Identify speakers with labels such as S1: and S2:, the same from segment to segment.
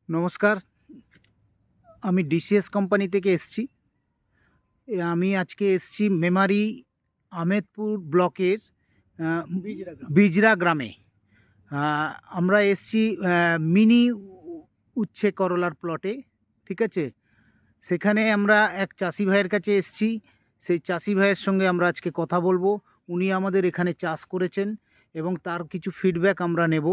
S1: নমস্কার, আমি DCs company থেকে এসছি। আমি আজকে এসছি মেমারি আহমেদপুর ব্লকের বিজরা গ্রামে। আমরা এসছি মিনি উচ্ছে করলার প্লটে, ঠিক আছে। সেখানে আমরা এক চাষি ভাইয়ের কাছে এসছি। সেই চাষি ভাইয়ের সঙ্গে আমরা আজকে কথা বলবো। উনি আমাদের এখানে চাষ করেছেন এবং তার কিছু ফিডব্যাক আমরা নেব।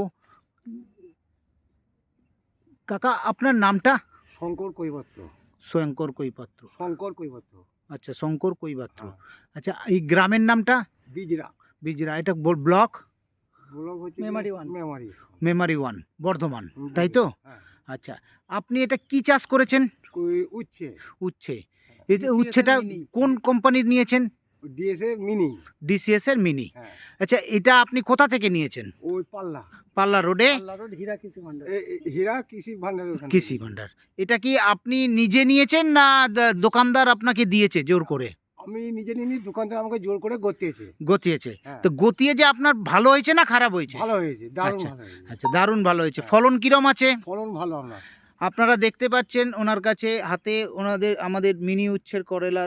S1: কাকা, আপনার নামটা?
S2: শঙ্কর কৈবত্র।
S1: শঙ্কর কৈপাত্র।
S2: শঙ্কর কৈবত্র।
S1: আচ্ছা, শঙ্কর কৈপাত্র।
S2: হ্যাঁ।
S1: আচ্ছা, এই গ্রামের নামটা?
S2: বিজরা।
S1: বিজরা। এটা ব্লক?
S2: ব্লক হচ্ছে
S3: মেমারি ওয়ান।
S2: মেমারি।
S1: মেমারি ওয়ান, বর্ধমান, তাই তো?
S2: হ্যাঁ।
S1: আচ্ছা, আপনি এটা কি চাষ করেছেন?
S2: উচ্ছে।
S1: উচ্ছে। এই যে উচ্ছেটা কোন কোম্পানির নিয়েছেন?
S2: DSA mini.
S1: ডিসিএস এর মিনি।
S2: হ্যাঁ।
S1: আচ্ছা, এটা আপনি কোথা থেকে নিয়েছেন?
S2: ওই পাল্লা।
S1: পাল্লা রোডে
S3: হীরা কৃষি ভান্ডার।
S2: হীরা কৃষি ভান্ডার।
S1: কৃষি ভান্ডার। এটা কি আপনি নিজে নিয়েছেন না দোকানদার আপনাকে দিয়েছে জোর করে?
S2: আমি নিজে নিয়ে দোকানদার আমাকে জোর করে গতিয়েছে।
S1: গতিয়েছে?
S2: হ্যাঁ।
S1: তো গতিয়ে যে আপনার ভালো হয়েছে না খারাপ হয়েছে?
S2: ভালো হয়েছে, দারুণ
S1: আচ্ছা,
S2: ভালো হয়েছে।
S1: আচ্ছা, দারুণ ভালো হয়েছে।
S2: হ্যাঁ।
S1: ফলন কিরম আছে?
S2: ফলন ভালো।
S1: আপনারা দেখতে পাচ্ছেন ওনার কাছে হাতে আমাদের মিনি উচ্ছের করলার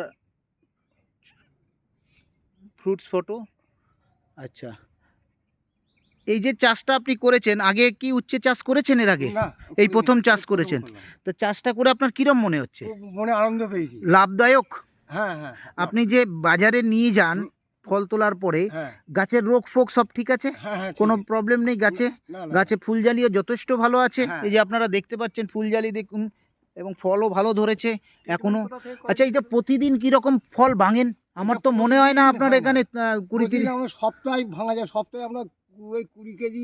S1: ফ্রুটস ফটো। আচ্ছা, এই যে চাষটা আপনি করেছেন, আগে কি উচ্ছে চাষ করেছেন এর আগে?
S2: না,
S1: এই প্রথম চাষ করেছেন? তো চাষটা করে আপনার কিরম মনে হচ্ছে?
S2: খুব মনে আনন্দ পেয়েছি।
S1: লাভদায়ক?
S2: হ্যাঁ হ্যাঁ।
S1: আপনি যে বাজারে নিয়ে যান ফল তোলার পরে,
S2: হ্যাঁ
S1: গাছের রোগ ফোক সব ঠিক আছে?
S2: হ্যাঁ হ্যাঁ,
S1: কোনো
S2: ঠিক আছে।
S1: প্রবলেম নেই গাছে?
S2: না, না,
S1: গাছে ফুলজালিও যথেষ্ট ভালো আছে।
S2: হ্যাঁ।
S1: এই যে আপনারা দেখতে পাচ্ছেন ফুলজালি দেখুন, এবং ফলও ভালো ধরেছে এখনো। আচ্ছা, এটা প্রতিদিন কিরকম ফল ভাঙেন? আমার তো মনে হয় না আপনার
S2: হয় না।
S1: এখানে 20-30।
S2: প্রতিদিন আমরা সপ্তাহে ভাঙা যায়, সপ্তাহে আমরা ওই 20 কেজি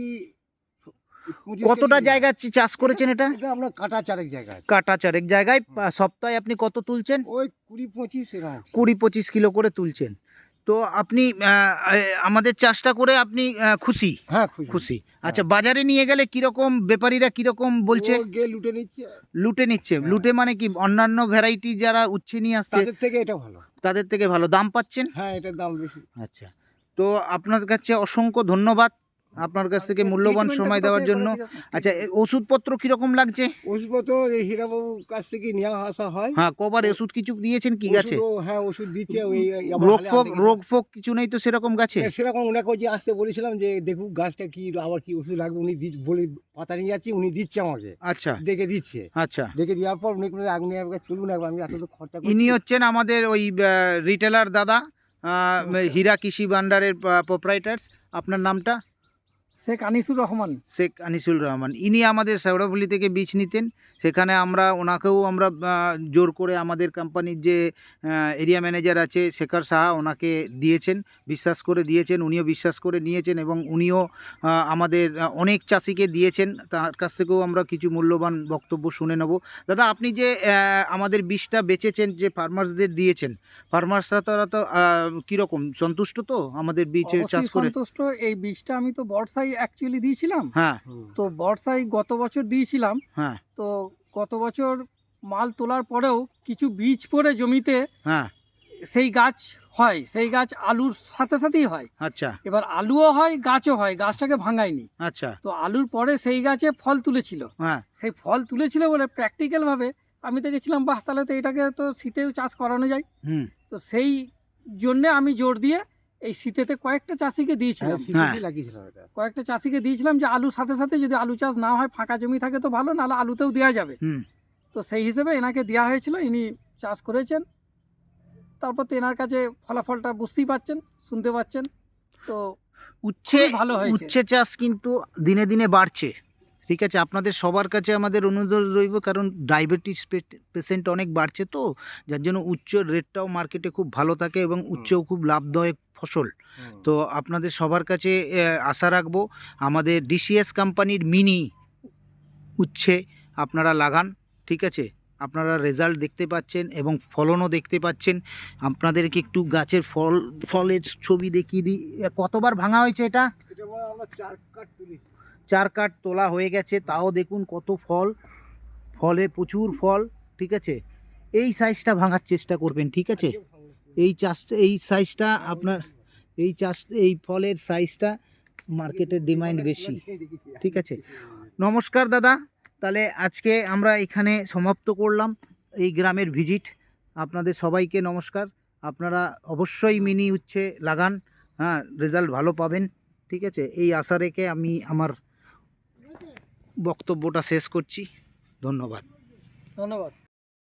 S2: 25
S1: কতটা
S2: কেজি
S1: জায়গা চাষ করেছেন এটা?
S2: এটা আমরা কাটা চারেক জায়গায়।
S1: কাটা চারেক জায়গায় সপ্তাহে আপনি কত তুলছেন?
S2: ওই 20-25 এরকম।
S1: 20-25 কিলো করে তুলছেন। তো আপনি আমাদের চাষটা করে আপনি খুশি?
S2: হ্যাঁ, খুশি।
S1: খুশি। আচ্ছা, বাজারে নিয়ে গেলে কিরকম ব্যাপারীরা কিরকম বলছে?
S2: ও গিয়ে লুটে নিচ্ছে।
S1: লুটে নিচ্ছে?
S2: হ্যাঁ।
S1: লুটে মানে কি অন্যান্য ভ্যারাইটি যারা উচ্ছে নিয়ে আসছে
S2: তাদের থেকে এটা ভালো।
S1: তাদের থেকে ভালো দাম পাচ্ছেন?
S2: হ্যাঁ, এটার দাম বেশি।
S1: আচ্ছা, তো আপনার কাছে অসংখ্য ধন্যবাদ আপনার কাছ থেকে মূল্যবান সময় দেওয়ার জন্য। আচ্ছা, ওষুধপত্র কিরকম লাগছে?
S2: ওষুধপত্র এই হীরাবাবুর কাছ থেকে নিয়ে আসা হয়।
S1: হ্যাঁ, কবার ওষুধ কিছু দিয়েছেন কি গাছে?
S2: হ্যাঁ, ওষুধ দিচ্ছে। ওই
S1: রোগ ফোক কিছু নেই তো সেরকম গাছে?
S2: সেরকম ওনাকে যে আসতে বলেছিলাম যে দেখুক গাছটা কি আবার কি ওষুধ লাগবে। উনি বলে পাতা নিয়ে যাচ্ছি, উনি দিচ্ছে আমাকে।
S1: আচ্ছা,
S2: দেখে দিচ্ছে।
S1: আচ্ছা।
S2: দেখে দেওয়ার পর উনি কোনো আগুনে চলুন একবার, আমি এত তো খরচা করছি।
S1: ইনি হচ্ছেন আমাদের ওই রিটেলার দাদা, হীরা কৃষি ভান্ডারের প্রোপ্রাইটার্স। আপনার নামটা?
S3: শেখ আনিসুর রহমান।
S1: শেখ আনিসুল রহমান। ইনি আমাদের শেওড়াফুলি থেকে বীজ নিতেন। সেখানে ওনাকেও আমরা জোর করে আমাদের কোম্পানির যে এরিয়া ম্যানেজার আছে শেখর সাহা, ওনাকে দিয়েছেন, বিশ্বাস করে দিয়েছেন। উনিও বিশ্বাস করে নিয়েছেন এবং উনিও আমাদের অনেক চাষিকে দিয়েছেন। তার কাছ থেকেও আমরা কিছু মূল্যবান বক্তব্য শুনে নেব। দাদা, আপনি যে আমাদের বীজটা বেচেছেন, যে ফার্মার্সদের দিয়েছেন, ফার্মার্সরা তারা তো কীরকম সন্তুষ্ট তো আমাদের বীজ চাষ করে?
S3: সন্তুষ্ট। এই বীজটা আমি তো বর্ষায় অ্যাকচুয়ালি দিয়েছিলাম।
S1: হ্যাঁ।
S3: তো বর্ষায় গত বছর দিয়েছিলাম।
S1: হ্যাঁ।
S3: তো গত বছর মাল তোলার পরেও কিছু বীজ পড়ে জমিতে,
S1: হ্যাঁ,
S3: সেই গাছ হয়, সেই গাছ আলুর সাথে সাথেই হয়।
S1: আচ্ছা,
S3: এবার আলুও হয়, গাছও হয়, গাছটাকে ভাঙায়নি।
S1: আচ্ছা।
S3: তো আলুর পরে সেই গাছে ফল তুলেছিল।
S1: হ্যাঁ,
S3: সেই ফল তুলেছিল বলে প্র্যাকটিক্যালভাবে আমি দেখেছিলাম, বাহ, তাহলে তো এটাকে তো শীতেও চাষ করানো যায়।
S1: হুম,
S3: তো সেই জন্যে আমি জোর দিয়ে এই শীতেতে কয়েকটা চাষিকে দিয়েছিলাম। কয়েকটা চাষিকে দিয়েছিলাম যে আলুর সাথে সাথে যদি আলু চাষ না হয়, ফাঁকা জমি থাকে তো ভালো, নাহলে আলুতেও দেওয়া যাবে।
S1: হুম।
S3: তো সেই হিসেবে এনাকে দেওয়া হয়েছিল, ইনি চাষ করেছেন। তারপর তো এনার কাছে ফলাফলটা বুঝতেই পাচ্ছেন, শুনতে পাচ্ছেন। তো ভালো হয়েছে।
S1: উচ্ছে চাষ কিন্তু দিনে দিনে বাড়ছে, ঠিক আছে। আপনাদের সবার কাছে আমাদের অনুরোধ রইব, কারণ ডায়াবেটিস পেশেন্ট অনেক বাড়ছে, তো যার জন্য উচ্চের রেটটাও মার্কেটে খুব ভালো থাকে এবং উচ্চও খুব লাভদায়ক ফসল। তো আপনাদের সবার কাছে আশা রাখবো, আমাদের ডিসিএস কোম্পানির মিনি উচ্ছে আপনারা লাগান, ঠিক আছে। আপনারা রেজাল্ট দেখতে পাচ্ছেন এবং ফলনও দেখতে পাচ্ছেন। আপনাদেরকে একটু গাছের ফলের ছবি দেখিয়ে দিই। কতবার ভাঙা হয়েছে এটা?
S2: আমরা 4 কাঠ তুলি।
S1: 4 কাঠ তোলা হয়ে গেছে, তাও দেখুন কত ফলে প্রচুর ফল, ঠিক আছে। এই সাইজটা ভাঙার চেষ্টা করবেন, ঠিক আছে। এই সাইজটা আপনার এই ফলের সাইজটা মার্কেটের ডিমান্ড বেশি, ঠিক আছে। নমস্কার দাদা, তাহলে আজকে আমরা এখানে সমাপ্ত করলাম এই গ্রামের ভিজিট। আপনাদের সবাইকে নমস্কার। আপনারা অবশ্যই মিনি উচ্ছে লাগান, হ্যাঁ, রেজাল্ট ভালো পাবেন। ঠিক আছে, এই আশা রেখে আমি আমার বক্তব্যটা শেষ করছি। ধন্যবাদ।
S3: ধন্যবাদ।